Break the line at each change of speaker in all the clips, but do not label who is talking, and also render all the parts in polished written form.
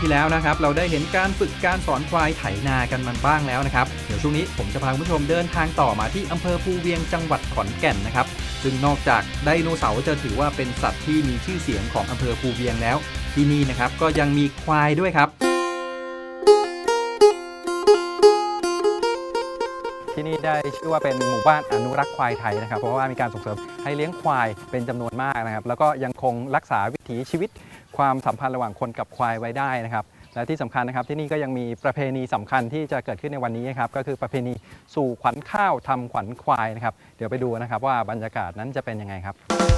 ที่แล้วนะครับเราได้เห็นการฝึกการสอนควายไถนากันมันบ้างแล้วนะครับเดี๋ยวช่วงนี้ผมจะพาคุณผู้ชมเดินทางต่อมาที่อำเภอภูเวียงจังหวัดขอนแก่นนะครับซึ่งนอกจากไดโนเสาร์จะถือว่าเป็นสัตว์ที่มีชื่อเสียงของอำเภอภูเวียงแล้วที่นี่นะครับก็ยังมีควายด้วยครับที่นี่ได้ชื่อว่าเป็นหมู่บ้านอนุรักษ์ควายไทยนะครับเพราะว่ามีการส่งเสริมให้เลี้ยงควายเป็นจำนวนมากนะครับแล้วก็ยังคงรักษาวิถีชีวิตความสัมพันธ์ระหว่างคนกับควายไว้ได้นะครับและที่สำคัญนะครับที่นี่ก็ยังมีประเพณีสำคัญที่จะเกิดขึ้นในวันนี้นะครับก็คือประเพณีสู่ขวัญข้าวทำขวัญควายนะครับเดี๋ยวไปดูนะครับว่าบรรยากาศนั้นจะเป็นยังไงครับ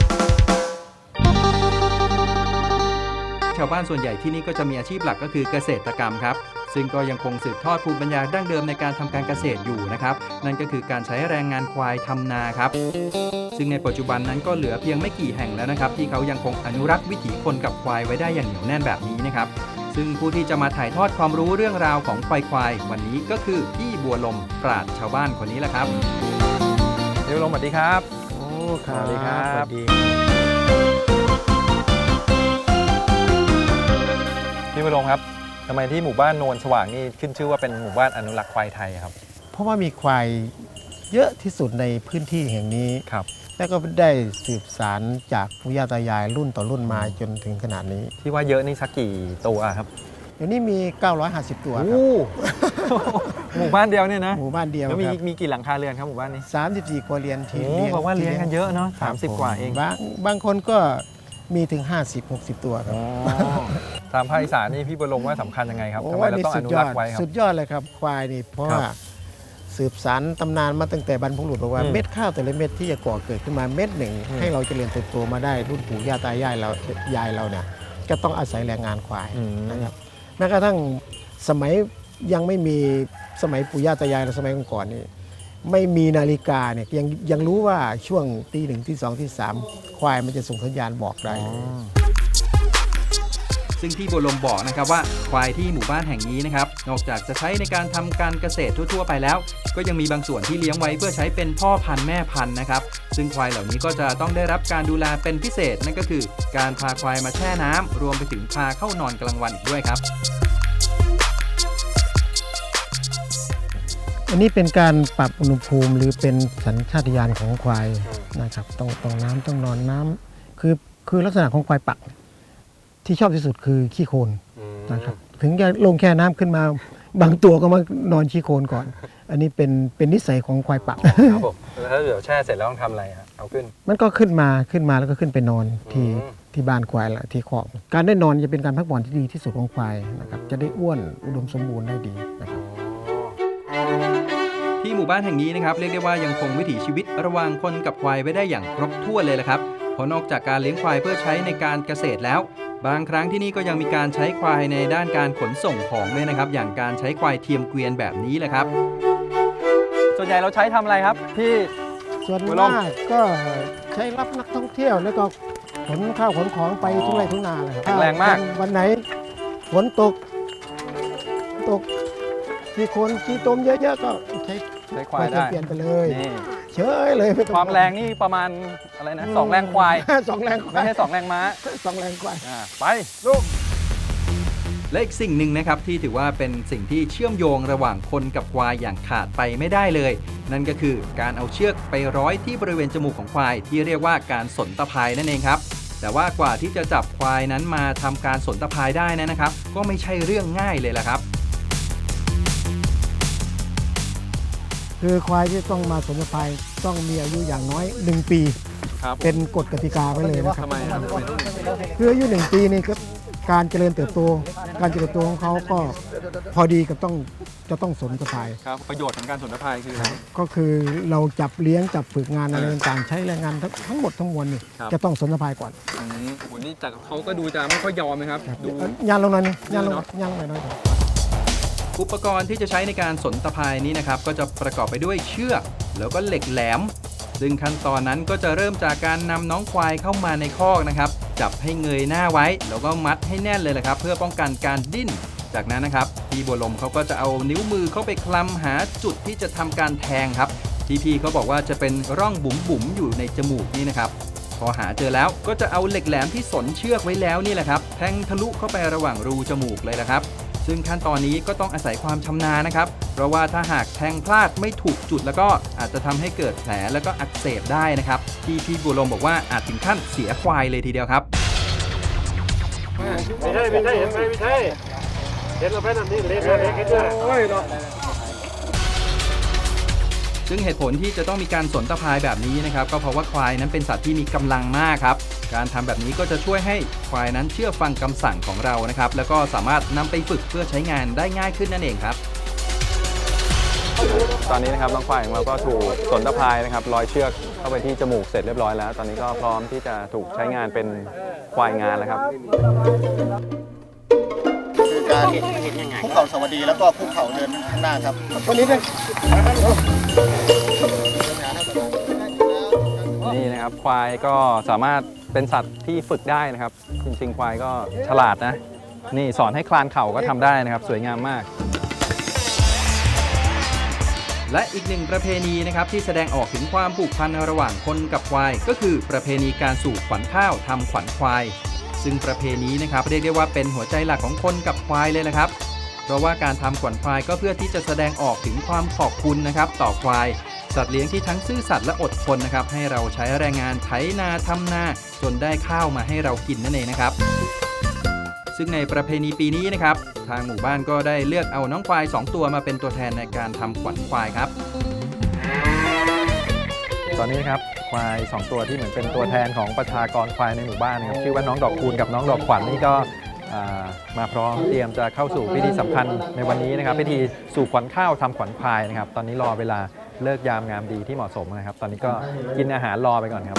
ชาวบ้านส่วนใหญ่ที่นี่ก็จะมีอาชีพหลักก็คือเกษตรกรรมครับซึ่งก็ยังคงสืบทอดภูมิปัญญาดั้งเดิมในการทำการเกษตรอยู่นะครับนั่นก็คือการใช้แรงงานควายทำนาครับซึ่งในปัจจุบันนั้นก็เหลือเพียงไม่กี่แห่งแล้วนะครับที่เขายังคงอนุรักษ์วิถีคนกับควายไว้ได้อย่างเหนียวแน่นแบบนี้นะครับซึ่งผู้ที่จะมาถ่ายทอดความรู้เรื่องราวของควายวันนี้ก็คือพี่บัวลมปราชญ์ชาวบ้านคนนี้แหละครับพี่บัวลมสวัสดีครับ
โอ้ครับ
สวัสดีครับ
สวัสดี
พี่บัวลมครับทำไมที่หมู่บ้านโนนสว่างนี่ขึ้นชื่อว่าเป็นหมู่บ้านอนุรักษ์ควายไทยครับ
เพราะว่ามีควายเยอะที่สุดในพื้นที่แห่งนี้
ครับ
แล้วก็ได้สืบสานจากปู่ย่าตายายรุ่นต่อรุ่นมาจนถึงขนาดนี้
ที่ว่าเยอะนี่สักกี่ตัวครับ
เดี๋ยวนี้มี950ตัวครับ
หมู่บ้านเดียวเนี่ยนะ
หมู่บ้านเดียว
แล้ว
ครับ
มีกี่หลังคาเรือนครับหมู่บ้านนี้
34ครัวเรือนที่
เลี้ยงบอกว่าเลี้ยงกันเยอะเนาะ30กว่าเอง
บางคนก็มีถึง50-60ตัวครับ
ตามภาคอีสานนี่พี่บัวลมว่าสำคัญยังไงครับทำไมเราต้องอนุรักษ์ไว้ครับ
สุดยอดเลยครับควายนี่เพราะว่าสืบสานตำนานมาตั้งแต่บรรพบุรุษบอกว่าเม็ดข้าวแต่ละเม็ดที่จะก่อเกิดขึ้นมาเม็ดหนึ่งให้เราเจริญเติบโตมาได้รุ่นปู่ย่าตายายเราเนี่ยก็ต้องอาศัยแรงงานควายนะครับแม้กระทั่งสมัยยังไม่มีสมัยปู่ย่าตายายเราสมัยก่อนนี่ไม่มีนาฬิกาเนี่ยยังรู้ว่าช่วงตี 1 ตี 2 ตี 3ควายมันจะส่งสัญญาณบอกได้
ซึ่งพี่บัวลมบอกนะครับว่าควายที่หมู่บ้านแห่งนี้นะครับนอกจากจะใช้ในการทำการเกษตรทั่วๆไปแล้วก็ยังมีบางส่วนที่เลี้ยงไว้เพื่อใช้เป็นพ่อพันธุ์แม่พันธุ์นะครับซึ่งควายเหล่านี้ก็จะต้องได้รับการดูแลเป็นพิเศษนั่นก็คือการพาควายมาแช่น้ำรวมไปถึงพาเข้านอนกลางวันอีกด้วยครับ
อันนี้เป็นการปรับอุณหภูมิหรือเป็นสัญชาตญาณของควายนะครับต้องน้ำต้องนอนน้ำคือลักษณะของควายปักที่ชอบที่สุดคือขี้โคลนนะครับถึงจะลงแค่น้ำขึ้นมาบางตัวก็มานอนขี้โคลนก่อนอันนี้เป็นนิสัยของควายปัก
ครับผมแล้วเดี๋ยวแช่เสร็จแล้วต้องทำอะไรครับเอาขึ้น
มันก็ขึ้นมาแล้วก็ขึ้นไปนอนที่บ้านควายละที่คอกการได้นอนจะเป็นการพักผ่อนที่ดีที่สุดของควายนะครับจะได้อ้วนอุดมสมบูรณ์ได้ดีนะครับ
ที่หมู่บ้านแห่งนี้นะครับเรียกได้ว่ายังคงวิถีชีวิตระหว่างคนกับควายไว้ได้อย่างครบถ้วนเลยละครับเพราะนอกจากการเลี้ยงควายเพื่อใช้ในการเกษตรแล้วบางครั้งที่นี่ก็ยังมีการใช้ควายในด้านการขนส่งของด้วยนะครับอย่างการใช้ควายเทียมเกวียนแบบนี้แหละครับส่วนใหญ่เราใช้ทำอะไรครับที่
ส่วนมากก็ใช้รับนักท่องเที่ยวแล้วก็ขนข้าวขนของไปทุกไร่ทุกนาเลยครับ
แรงมาก
วันไหนฝนตกที่คนที่ต้มเยอะๆก็ใช้
ควายได้
เปลี่ยนไปเลยเฉยเลย
ความแรงนี่ประมาณอะไรนะ2แรงควาย
2แรงควาย
ไม่ใช่2แรงม้า
2แรงควาย
ไปลูกและอีกสิ่งหนึ่งนะครับที่ถือว่าเป็นสิ่งที่เชื่อมโยงระหว่างคนกับควายอย่างขาดไปไม่ได้เลยนั่นก็คือการเอาเชือกไปร้อยที่บริเวณจมูกของควายที่เรียกว่าการสนตะไคร่นั่นเองครับแต่ว่ากว่าที่จะจับควายนั้นมาทำการสนตะไคร่ได้นะครับก็ไม่ใช่เรื่องง่ายเลยล่ะครับ
คือควายที่ต้องมาสนตะไคร่ต้องมีอายุอย่างน้อย1ปีเป็นกฎกติกาไว้เลยนะครับ
ทำไมครับ
คืออายุ1ปีนี่ก็การเจริญเติบโตของเขาก็พอดีกับจะต้องสนตะไคร่
ครับประโยชน์ของการสนตะไคร่คือ
ก็คือเราจับเลี้ยงจับฝึกงานอะไรต่างๆใช้แรงงานทั้งหมดทั้งมวลนี่จะต้องสนตะไคร่ก่อน
วันนี้จากเขาก็ดูจะไม่ค่อยยอมนะครับ
ดูยันลงหน่อยยันลงไปหน่อย
อุปกรณ์ที่จะใช้ในการสนตะไคร่นี้นะครับก็จะประกอบไปด้วยเชือกแล้วก็เหล็กแหลมซึ่งขั้นตอนนั้นก็จะเริ่มจากการนำน้องควายเข้ามาในคอกนะครับจับให้เงยหน้าไว้แล้วก็มัดให้แน่นเลยแหละครับเพื่อป้องกันการดิ้นจากนั้นนะครับพี่บัวลมเขาก็จะเอานิ้วมือเข้าไปคลำหาจุดที่จะทำการแทงครับพี่เขาบอกว่าจะเป็นร่องบุ๋มๆอยู่ในจมูกนี่นะครับพอหาเจอแล้วก็จะเอาเหล็กแหลมที่สนเชือกไว้แล้วนี่แหละครับแทงทะลุเข้าไประหว่างรูจมูกเลยละครับซึ่งขั้นตอนนี้ก็ต้องอาศัยความชำนาญนะครับเพราะว่าถ้าหากแทงพลาดไม่ถูกจุดแล้วก็อาจจะทำให้เกิดแผลแล้วก็อักเสบได้นะครับที่พี่บุญลมบอกว่าอาจถึงขั้นเสียควายเลยทีเดียวครับ
ไม่ใช่เห็นไหมไม่ใช่เห็นเราแค่นั้นนี่เล็กด้วยโอ้ยเนาะ
ซึ่งเหตุผลที่จะต้องมีการสนตะพายแบบนี้นะครับก็เพราะว่าควายนั้นเป็นสัตว์ที่มีกำลังมากครับการทำแบบนี้ก็จะช่วยให้ควายนั้นเชื่อฟังคำสั่งของเรานะครับแล้วก็สามารถนำไปฝึกเพื่อใช้งานได้ง่ายขึ้นนั่นเองครับ
ตอนนี้นะครับน้องควายของเราก็ถูกสนตะพายนะครับร้อยเชือกเข้าไปที่จมูกเสร็จเรียบร้อยแล้วตอนนี้ก็พร้อมที่จะถูกใช้งานเป็นควายงานแล้วครับ
คือการคุกเข่าสวัสดีแล้วก็คุกเข่าเดินข้างหน้าครับวันนี้เป็น
นี่นะครับควายก็สามารถเป็นสัตว์ที่ฝึกได้นะครับจริงๆควายก็ฉลาดนะนี่สอนให้คลานเข่าก็ทำได้นะครับสวยงามมาก
และอีกหนึ่งประเพณีนะครับที่แสดงออกถึงความผูกพันระหว่างคนกับควายก็คือประเพณีการสู่ขวัญข้าวทำขวัญควายซึ่งประเพณีนะครับเรียกได้ว่าเป็นหัวใจหลักของคนกับควายเลยละครับเพราะว่าการทำขวัญควายก็เพื่อที่จะแสดงออกถึงความขอบคุณนะครับต่อควายสัตว์เลี้ยงที่ทั้งซื่อสัตย์และอดทนนะครับให้เราใช้แรงงานไถนาทำนาจนได้ข้าวมาให้เรากินนั่นเองนะครับซึ่งในประเพณีปีนี้นะครับทางหมู่บ้านก็ได้เลือกเอาน้องควาย2ตัวมาเป็นตัวแทนในการทำขวัญควายครับ
ตอนนี้ครับควาย2ตัวที่เหมือนเป็นตัวแทนของประชากรควายในหมู่บ้านนะครับชื่อว่าน้องดอกคูณกับน้องดอกขวัญนี่ก็มาพร้อมเตรียมจะเข้าสู่พิธีสำคัญในวันนี้นะครับพิธีสู่ขวัญข้าวทำขวัญควายนะครับตอนนี้รอเวลาเลิกยามงามดีที่เหมาะสมนะครับตอนนี้ก็กินอาหารรอไปก่อนครับ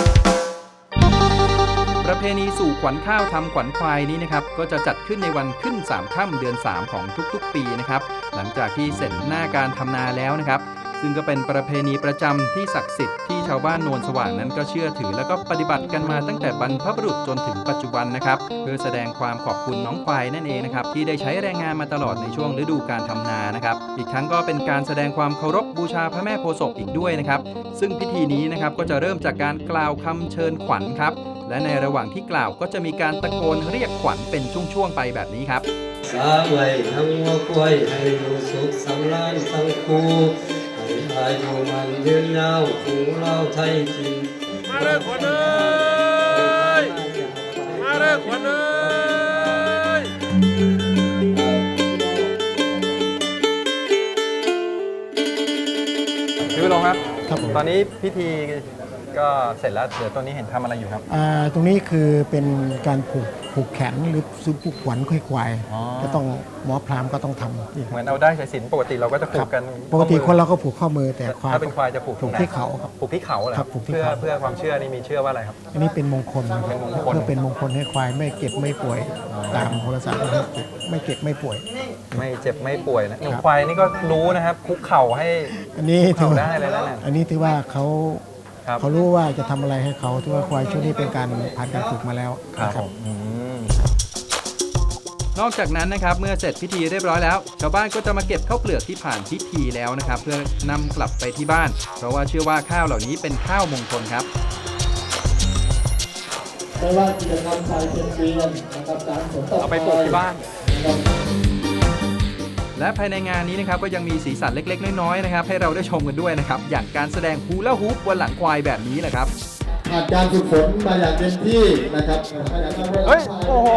ประเพณีสู่ขวัญข้าวทำขวัญควายนี้นะครับก็จะจัดขึ้นในวันขึ้น3ค่ำเดือน3ของทุกๆปีนะครับหลังจากที่เสร็จหน้าการทำนาแล้วนะครับซึ่งก็เป็นประเพณีประจำที่ศักดิ์สิทธิ์ที่ชาวบ้านโนนสว่างนั้นก็เชื่อถือแล้วก็ปฏิบัติกันมาตั้งแต่บรรพบุรุษจนถึงปัจจุบันนะครับเพื่อแสดงความขอบคุณน้องควายนั่นเองนะครับที่ได้ใช้แรงงานมาตลอดในช่วงฤดูการทำนานะครับอีกทั้งก็เป็นการแสดงความเคารพบูชาพระแม่โพธิ์ศพอีกด้วยนะครับซึ่งพิธีนี้นะครับก็จะเริ่มจากการกล่าวคำเชิญขวัญครับและในระหว่างที่กล่าวก็จะมีการตะโกนเรียกขวัญเป็นช่วงๆไปแบบนี้ครับ
สาไว้ทั้งวัวควายให้อยู่สุขสำราญทั้งคู่ให้อายุมันยืนยาวคงเล่าไทยจริง
มาเลยขวัญเอ้ยมาเลยขวัญเอ้ย
พี่วิโรจน์ครับตอนนี้พิธีก็เสร็จแล้วเดี๋ยวตอนนี้เห็นทำอะไรอยู่ครับ
ตรงนี้คือเป็นการผูกแขนหรือผูกขวัญควายก็ต้องหมอพราหมณ์ก็ต้องทำ
เหมือนเอาได้สายสิญจน์ปกติเราก็จะผูกกัน
ปกติคนเราก็ผูกข้อมือแต่ควาย
ถ้าเป็นควายจะผูก
ที่เขาครับ
ผูกที่เขาเหรอ
ครับผูกที่เขา
เพื่อความเชื่อนี่มีเชื่อว่าอะไรครับ
อันนี้เป็นมงคลเพื่อเป็นมงคลให้ควายไม่เก็บไม่ป่วยตามโหราศาสตร์ไม่เก็บไม่ป่วย
ไม่เจ็บไม่ป่วยนะควายนี่ก็รู้นะครับคุกเข่าให้
อันนี้
ถือได้เลยนะ
อันนี้ถือว่าเขารู้ว่าจะทำอะไรให้เขาที่ว่าควายช่วงนี้เป็นการผ่านการฝึกมาแล้ว
ครับ
นอกจากนั้นนะครับเมื่อเสร็จพิธีเรียบร้อยแล้วชาวบ้านก็จะมาเก็บข้าวเปลือกที่ผ่านพิธีแล้วนะครับเพื่อนำกลับไปที่บ้านเพราะว่าเชื่อว่าข้าวเหล่านี้เป็นข้าวมงคลครับ
ไม่ว่าจะทำชายเป็นเรียนนะครับการสนต่อ
เอาไปปลูกที่บ้าน
และภายในงานนี้นะครับก็ยังมีสีสันเล็กๆน้อยๆนะครับให้เราได้ชมกันด้วยนะครับอย่างการแสดงฮูลาฮูปบนหลังควายแบบนี้แหละครับ
ผ่านการฝึกฝนมาอย่างเต็มที่นะครับ
เฮ้ยโอ้โห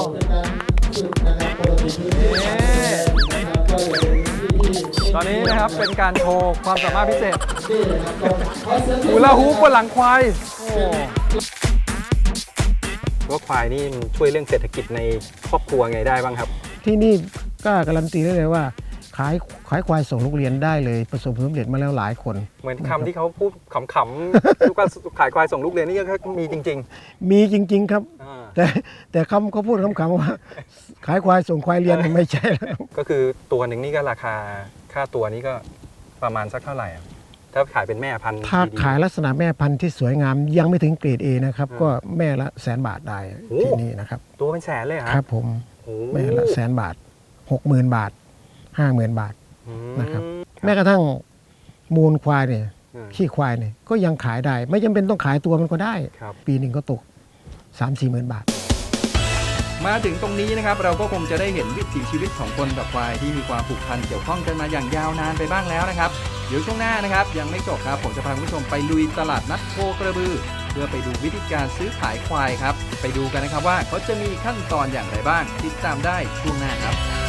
ตอนนี้นะครับเป็นการโชว์ความสามารถพิเศษฮูลาฮูปบนหลังควายว่าควายนี่ช่วยเรื่องเศรษฐกิจในครอบครัวไงได้บ้างครับ
ที่นี่ก็การันตีได้เลยว่าขายควายส่งลูกเรียนได้เลยประสบความสำเร็จมาแล้วหลายคน
เหมือนคำที่เขาพูดขำๆทุกการขายควายส่งลูกเรียนนี่ก็มีจริง
ๆมีจริงๆครับแต่คำเขาพูดขำๆว่าขายควายส่งควายเรียนไม่ใช่แล้ว
ก็คือตัวหนึ่งนี่ก็ราคาค่าตัวนี้ก็ประมาณสักเท่าไหร่ถ้าขายเป็นแม่พันธุ์
ถ้าขายลักษณะแม่พันธุ์ที่สวยงามยังไม่ถึงเกรด A นะครับก็แม่ละ100,000 บาทได้ที่นี่นะครับ
ตัวเป็นแสนเลย
ครับผมแม่ละ100,000 บาท 60,000 บาท 50,000 บาทนะครับแม้กระทั่งมูลควายเนี่ยขี้ควายเนี่ยก็ยังขายได้ ไม่จำเป็นต้องขายตัวมันก็ได้
ครับ
ปีหนึ่งก็ตก 3-4 หมื่นบาท
มาถึงตรงนี้นะครับเราก็คงจะได้เห็นวิถีชีวิตของคนกับควายที่มีความผูกพันเกี่ยวข้องกันมาอย่างยาวนานไปบ้างแล้วนะครับเดี๋ยวช่วงหน้านะครับยังไม่จบครับผมจะพาคุณผู้ชมไปลุยตลาดนัดโคกระบือเพื่อไปดูวิธีการซื้อขายควายครับไปดูกันนะครับว่าเขาจะมีขั้นตอนอย่างไรบ้างติดตามได้ช่วงหน้าครับ